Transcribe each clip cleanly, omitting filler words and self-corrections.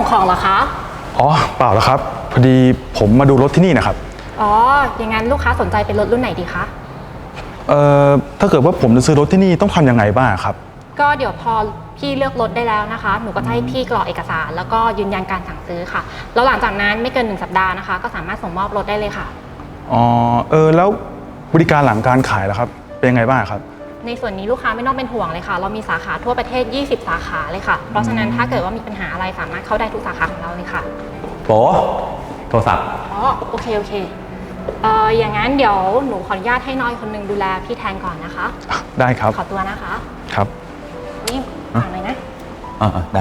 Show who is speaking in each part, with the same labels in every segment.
Speaker 1: ของเหรอคะ
Speaker 2: อ๋อเปล่าแล้วครับพอดีผมมาดูรถที่นี่นะครับ
Speaker 1: อ๋ออย่างนั้นลูกค้าสนใจเป็นรถรุ่นไหนดีคะ
Speaker 2: ถ้าเกิดว่าผมจะซื้อรถที่นี่ต้องทำยังไงบ้างครับ
Speaker 1: ก็เดี๋ยวพอพี่เลือกรถได้แล้วนะคะหนูก็จะให้พี่กรอกเอกสารแล้วก็ยืนยันการสั่งซื้อค่ะแล้วหลังจากนั้นไม่เกิน1 สัปดาห์นะคะก็สามารถส่งมอบรถได้เลยค่ะ
Speaker 2: อ๋อแล้วบริการหลังการขายล่ะครับเป็นยังไงบ้างครับ
Speaker 1: ในส่วนนี้ลูกค้าไม่ต้องเป็นห่วงเลยค่ะเรามีสาขาทั่วประเทศ20 สาขาเลยค่ะเพราะฉะนั้นถ้าเกิดว่ามีปัญหาอะไรสามารถเข้าได้ทุกสาขาของเราเลยค่ะ
Speaker 3: โโทรศัพท์
Speaker 1: อ๋อโอเคอย่างนั้นเดี๋ยวหนูขออนุญาตให้น้อยคนนึงดูแลพี่แทนก่อนนะคะ
Speaker 2: ได้ครับ
Speaker 1: ขอตัวนะคะ
Speaker 2: ครับ
Speaker 1: นี่ฝากหน่อยนะ
Speaker 3: ได้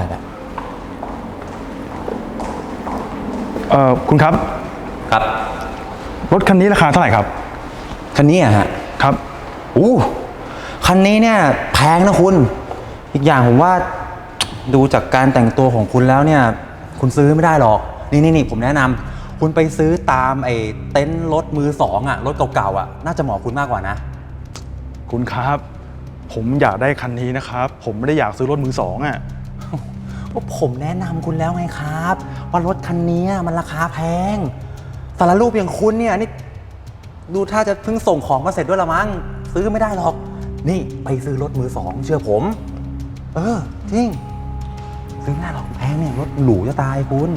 Speaker 2: คุณครับ
Speaker 3: ครับ
Speaker 2: รถคันนี้ราคาเท่าไหร่ครับ
Speaker 3: คันนี้อะฮะ
Speaker 2: ครับ
Speaker 3: คันนี้เนี่ยแพงนะคุณอีกอย่างผมว่าดูจากการแต่งตัวของคุณแล้วเนี่ยคุณซื้อไม่ได้หรอกนี่ผมแนะนำคุณไปซื้อตามไอ้เต็นท์รถมือสองอะรถเก่าๆอะน่าจะเหมาะคุณมากกว่านะ
Speaker 2: คุณครับผมอยากได้คันนี้นะครับผมไม่ได้อยากซื้อรถมือสองอะ
Speaker 3: ว่าผมแนะนำคุณแล้วไงครับว่ารถคันนี้มันราคาแพงสารรูปอย่างคุณเนี่ยนี่ดูถ้าจะเพิ่งส่งของมาเสร็จด้วยละมั้งซื้อไม่ได้หรอกนี่ไปซื้อรถมือสองเชื่อผมจริงซื้อไม่ได้หรอกแพงเนี่ยรถหรูจะตายคุณ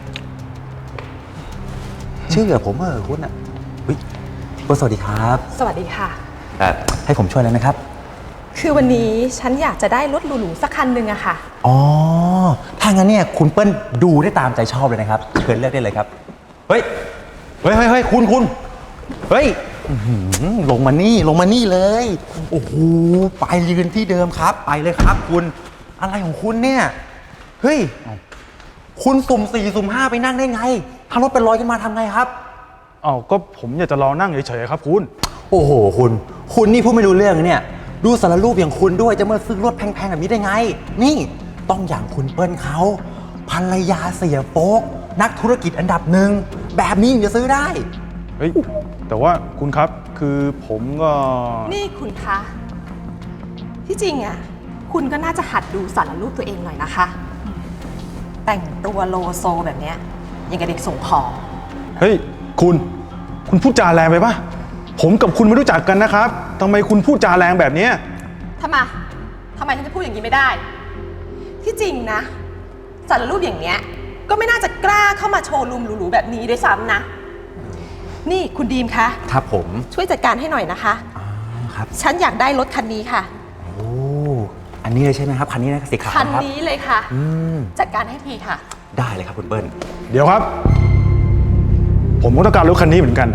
Speaker 3: เชื่อผมคุณอ่ะสวัสดีครับ
Speaker 4: สวัสดีค่ะ
Speaker 3: ให้ผมช่วยแล้วนะครับ
Speaker 4: คือวันนี้ฉันอยากจะได้รถหรูๆสักคันหนึ่งอะค่ะ
Speaker 3: อ๋อถ้างั้นเนี่ยคุณเปิ้ลดูได้ตามใจชอบเลยนะครับเชิญเลือกได้เลยครับเฮ้ยคุณเฮ้ยลงมานี่เลยโอ้โหไปยืนที่เดิมครับไปเลยครับคุณอะไรของคุณเนี่ยเฮ้ยคุณสุ่ม4สุ่ม5ไปนั่งได้ไงถ้ารถเป็นรอยขึ้นมาทำไงครับ
Speaker 2: ก็ผมอยากจะรอนั่งเฉยๆครับคุณ
Speaker 3: โอ้โหคุณนี่พูดไม่รู้เรื่องเนี่ยดูสารรูปอย่างคุณด้วยจะมาซื้อรถแพงๆแบบนี้ได้ไงนี่ต้องอย่างคุณเปิ้ลเขาภรรยาเสียโป๊กนักธุรกิจอันดับ1แบบนี้ถึงจะซื้อได้
Speaker 2: เฮ้ยแต่ว่าคุณครับคือผมก็
Speaker 4: นี่คุณคะที่จริงอ่ะคุณก็น่าจะหัดดูสารรูปตัวเองหน่อยนะคะแต่งตัวโลโซแบบเนี้ยยังกับเด็กส่งของ
Speaker 2: เฮ้ยคุณพูดจาแรงไปปะผมกับคุณไม่รู้จักกันนะครับทำไมคุณพูดจาแรงแบบนี้
Speaker 4: ทำไมฉันจะพูดอย่างนี้ไม่ได้ที่จริงนะสารรูปอย่างเนี้ยก็ไม่น่าจะกล้าเข้ามาโชว์รูมหรูๆแบบนี้ด้วยซ้ำนะนี่คุณดีมคะ
Speaker 3: ครับผม
Speaker 4: ช่วยจัดการให้หน่อยนะคะ
Speaker 3: ครับ
Speaker 4: ฉันอยากได้รถคันนี้ค่ะ
Speaker 3: อันนี้เลยใช่ไหมครับคันนี้นะสีขาว
Speaker 4: คันนี้เลยค่ะจัดการให้ทีค่ะ
Speaker 3: ได้เลยครับคุณเปิ้ล
Speaker 2: เดี๋ยวครับผมก็ต้องการรถคันนี้เหมือนกัน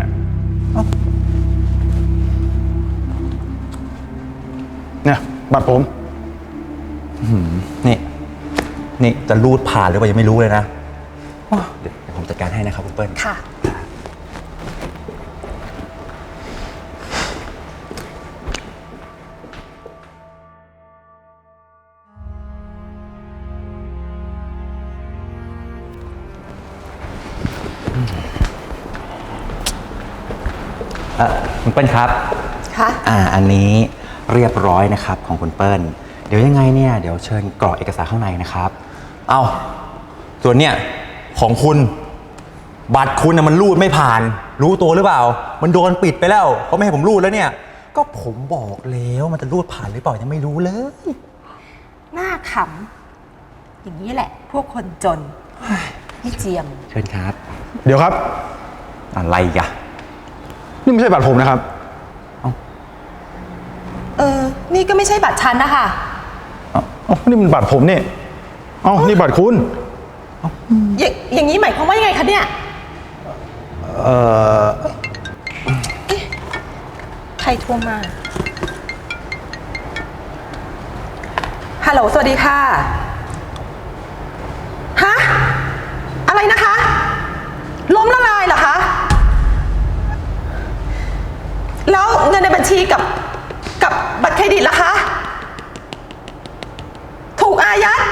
Speaker 2: เนี่ยบัตรผม
Speaker 3: นี่จะรูดผ่านหรือเปล่ายังไม่รู้เลยนะเดี๋ยวผมจัดการให้นะครับคุณเปิ้ล
Speaker 4: ค่ะ
Speaker 3: คุณเปิ้ลครับ
Speaker 4: ค่ะ
Speaker 3: อันนี้เรียบร้อยนะครับของคุณเปิ้ลเดี๋ยวยังไงเนี่ยเดี๋ยวเชิญกรอกเอกสารข้างในนะครับส่วนเนี่ยของคุณบัตรคุณมันรูดไม่ผ่านรู้ตัวหรือเปล่ามันโดนปิดไปแล้วเขาไม่ให้ผมรูดแล้วเนี่ยก็ผมบอกแล้วมันจะรูดผ่านหรือเปล่ายังไม่รู้เลย
Speaker 4: หน้าขำอย่างนี้แหละพวกคนจนพี่เจียม
Speaker 3: เชิญครับ
Speaker 2: เดี๋ยวครับ
Speaker 3: อะไรกะ
Speaker 2: นี่ไม่ใช่บัตรผมนะครับ
Speaker 4: นี่ก็ไม่ใช่บัตรฉันนะคะ
Speaker 2: นี่มันบัตรผมนี่นี่บัตรคุณ
Speaker 4: อย่างนี้หมายความว่ายังไงคะเนี่ยใครโทรมาฮัลโหลสวัสดีค่ะฮะอะไรนะคะล้มละลายเหรอคะแล้วเงินในบัญชีกับบัตรเครดิตล่ะคะถูกอายัด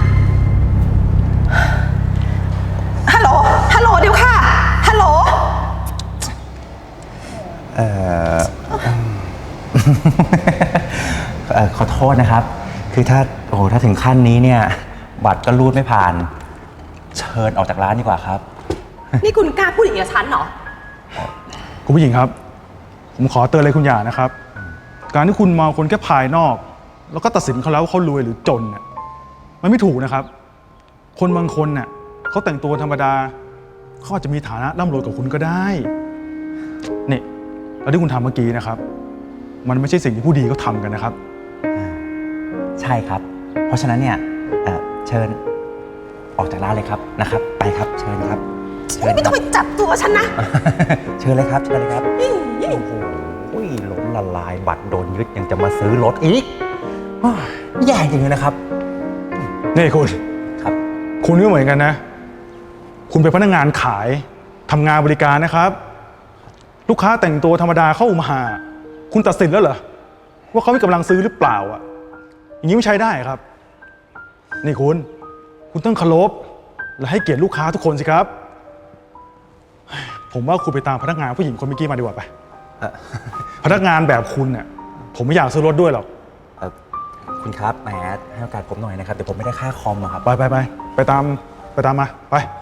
Speaker 4: ฮัลโหลเดี๋ยวค่ะฮัลโหล
Speaker 3: ขอโทษนะครับคือถ้าถึงขั้นนี้เนี่ยบัตรก็รูดไม่ผ่านเชิญออกจากร้านดีกว่าครับ
Speaker 4: นี่คุณกล้าพูดอย่างนี้กับฉันเหรอ
Speaker 2: คุณผู้หญิงครับ ผมขอเตือนเลยคุณหย่านะครับ การที่คุณมองคนแค่ภายนอก แล้วก็ตัดสินเขาแล้วว่าเขารวยหรือจนเนี่ยมันไม่ถูกนะครับ คนบางคนเนี่ยเขาแต่งตัวธรรมดาเขาอาจจะมีฐานะร่ำรวยกว่าคุณก็ได้นี่แล้วที่คุณทำเมื่อกี้นะครับ มันไม่ใช่สิ่งที่ผู้ดีเขาทำกันนะครับ
Speaker 3: ใช่ครับ เพราะฉะนั้นเนี่ยเชิญออกจากร้านเลยครับนะครับ ไปครับเชิญครับเชิญ
Speaker 4: ไม่ต้องไปจับตัวฉันนะ
Speaker 3: เชิญเลยครับเชิญเลยครับ
Speaker 4: อี้
Speaker 3: โอ้โหล้มละลายบัตรโดนยึดยังจะมาซื้อรถอีกอ้าวแย่จริงเลยนะครับ
Speaker 2: นี่คุณ
Speaker 3: ครับ
Speaker 2: คุณก็เหมือนกันนะ คุณเป็นพนักงานขายทำงานบริการนะครับ ลูกค้าแต่งตัวธรรมดาเข้ามา คุณตัดสินแล้วเหรอว่าเขามีกำลังซื้อหรือเปล่าอ่ะอย่างนี้ไม่ใช้ได้ครับ นี่คุณต้องเคารพและให้เกียรติลูกค้าทุกคนสิครับ ผมว่าคุณไปตามพนักงานผู้หญิงคนเมื่อกี้มาดีกว่าไป พนักงานแบบคุณเนี่ยผมไม่อยากซื้อรถด้วยหรอก
Speaker 3: คุณครับแหมให้โอกาสผมหน่อยนะครับเดี๋ยวผมไม่ได้ค่าคอมอะครับ
Speaker 2: ไปตามมาไป